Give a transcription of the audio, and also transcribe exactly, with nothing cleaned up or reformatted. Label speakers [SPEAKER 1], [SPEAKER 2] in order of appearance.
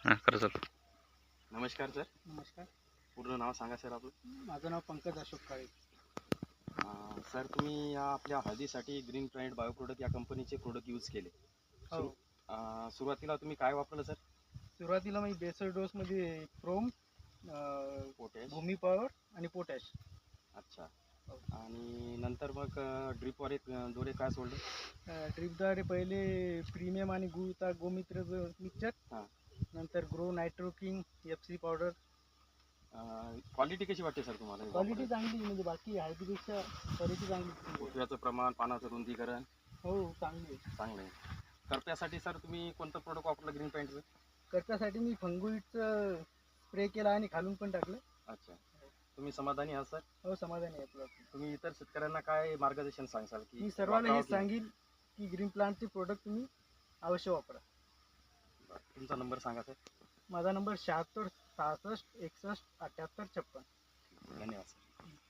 [SPEAKER 1] हां खरं सर.
[SPEAKER 2] नमस्कार सर.
[SPEAKER 3] नमस्कार.
[SPEAKER 2] पूर्ण नाव सांगा सर आपलं.
[SPEAKER 3] माझं नाव पंकज अशोक काळे.
[SPEAKER 2] अं, सर तुम्ही या आपल्या हळदीसाठी ग्रीन प्लॅनेट बायो प्रोडक्ट या कंपनीचे प्रोडक्ट यूज केले.
[SPEAKER 3] हो.
[SPEAKER 2] सुरु अं, सुरुवातीला तुम्ही काय वापरलं सर?
[SPEAKER 3] सुरुवातीला मी बेसल डोसमध्ये क्रोम,
[SPEAKER 2] पोटॅश.
[SPEAKER 3] भूमी पॉवर आणि पोटॅश.
[SPEAKER 2] अच्छा. आणि नंतर मग ड्रिपद्वारे द्वारे काय सोडलं?
[SPEAKER 3] ड्रिपद्वारे पहिले प्रीमियम आणि गुळता गोमित्र मिक्सचर,
[SPEAKER 2] हां.
[SPEAKER 3] नंतर grow nitro king, F C powder.
[SPEAKER 2] Quality कशी वाटते सर तुम्हाला?
[SPEAKER 3] क्वालिटी चांगली, म्हणजे बाकी हळदीपेक्षा क्वालिटी चांगली.
[SPEAKER 2] फुटव्याचं प्रमाण, पानाचं रुंदीकरण
[SPEAKER 3] हो चांगली आहे.
[SPEAKER 2] चांगलं आहे. करप्यासाठी सर तुम्ही कोणतं प्रोडक्ट वापरलं ग्रीन पॅन्टचं?
[SPEAKER 3] करप्यासाठी मी फंगुईटचं स्प्रे केला आणि खालून पण टाकलं.
[SPEAKER 2] अच्छा. तुम्ही समाधानी आहात सर?
[SPEAKER 3] हो समाधानी आहे आपलं.
[SPEAKER 2] तुम्ही इतर शेतकऱ्यांना काय मार्गदर्शन सांगाल की?
[SPEAKER 3] मी सर्वांना हे सांगेल की ग्रीन प्लांटचे प्रोडक्ट तुम्ही अवश्य वापरा.
[SPEAKER 2] तुमचा नंबर सांगा सर.
[SPEAKER 3] माझा नंबर शहात्तर सहासष्ट एकसष्ट अठ्ठ्याहत्तर छप्पन.
[SPEAKER 2] धन्यवाद सर.